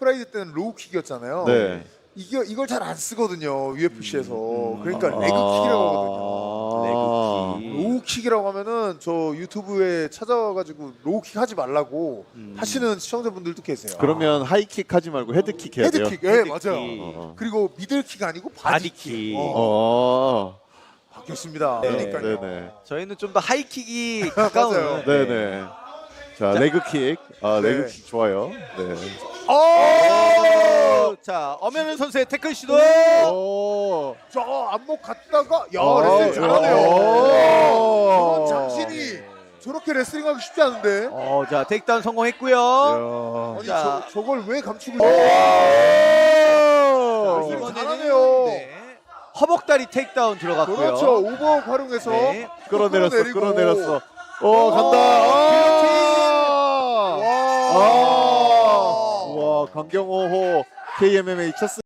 프라이드 때는 로우킥이었잖아요. 네. 이걸 잘 안 쓰거든요. UFC에서. 그러니까 레그킥이라고 하거든요. 레그킥. 로우킥이라고 하면은 저 유튜브에 찾아와가지고 로우킥 하지 말라고 하시는 시청자분들도 계세요. 그러면 하이킥 하지 말고 헤드킥 해야 돼요. 헤드킥, 예, 헤드킥. 맞아요. 그리고 미들킥 아니고 바디킥. 바디킥. 바뀌었습니다. 네. 그러니까요. 네네. 저희는 좀 더 하이킥이 맞아요. 가까운. 네네. 자, 레그킥. 레그킥 좋아요. 네. 자, 엄연은 선수의 태클 시도. 저 안목 갔다가 레슬링 잘하네요. 저런 장신이 저렇게 레슬링하기 쉽지 않은데. 자, 테이크다운 성공했고요. 아니 자. 저걸 왜 감추고 이번에는 이번에는 잘하네요. 네. 허벅다리 테이크다운 들어갔고요. 그렇죠. 오버 활용해서 네. 끌어내렸어. 간다. 와, 강경호호 KMMA 첫